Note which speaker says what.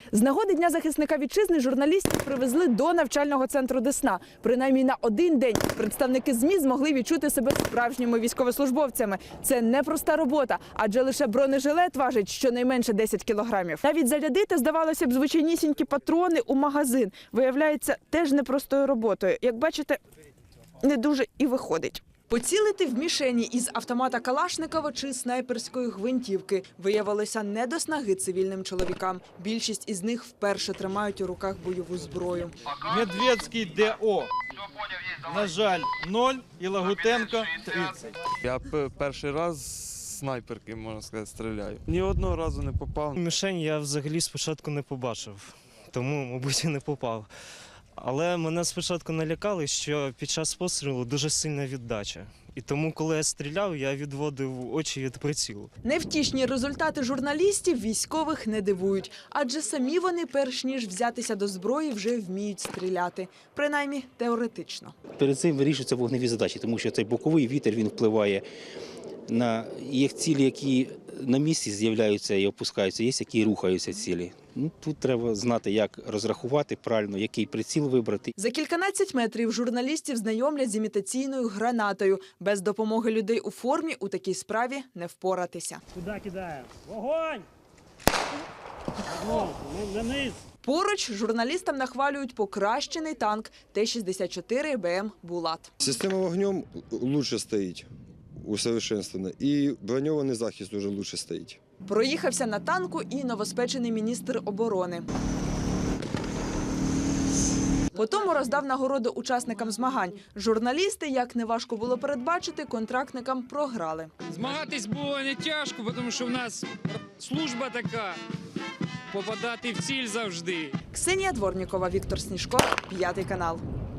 Speaker 1: З нагоди Дня захисника вітчизни журналістів привезли до навчального центру Десна. Принаймні на один день представники ЗМІ змогли відчути себе справжніми військовослужбовцями. Це непроста робота, адже лише бронежилет важить щонайменше 10 кілограмів. Навіть зарядити, здавалося б, звичайнісінькі патрони у магазин. Виявляється, теж непростою роботою. Як бачите, не дуже і виходить. Поцілити в мішені із автомата Калашникова чи снайперської гвинтівки виявилося не до снаги цивільним чоловікам. Більшість із них вперше тримають у руках бойову зброю.
Speaker 2: Медведський ДО. На жаль, 0 і Лагутенко 30.
Speaker 3: Я перший раз з снайперки, можна сказати, стріляю. Ні одного разу не попав.
Speaker 4: Мішень я взагалі спочатку не побачив, тому, мабуть, і не попав. Але мене спочатку налякали, що під час пострілу дуже сильна віддача. І тому, коли я стріляв, я відводив очі від прицілу.
Speaker 1: Невтішні результати журналістів військових не дивують. Адже самі вони, перш ніж взятися до зброї, вже вміють стріляти. Принаймні, теоретично.
Speaker 5: Перед цим вирішуються вогневі задачі, тому що цей боковий вітер, він впливає на їх цілі, які на місці з'являються і опускаються, є, які рухаються цілі. Тут треба знати, як розрахувати правильно, який приціл вибрати.
Speaker 1: За кільканадцять метрів журналістів знайомлять з імітаційною гранатою. Без допомоги людей у формі у такій справі не впоратися.
Speaker 6: Куди кидаємо? Вогонь! На низ!
Speaker 1: Поруч журналістам нахвалюють покращений танк Т-64 БМ «Булат».
Speaker 7: Система вогнем лучше стоїть, усовершенствована, і броньований захист дуже лучше стоїть.
Speaker 1: Проїхався на танку і новоспечений міністр оборони. Потім роздав нагороду учасникам змагань. Журналісти, як неважко було передбачити, контрактникам програли.
Speaker 8: Змагатись було не тяжко, тому що в нас служба така – попадати в ціль завжди.
Speaker 1: Ксенія Дворнікова, Віктор Сніжко, 5 канал.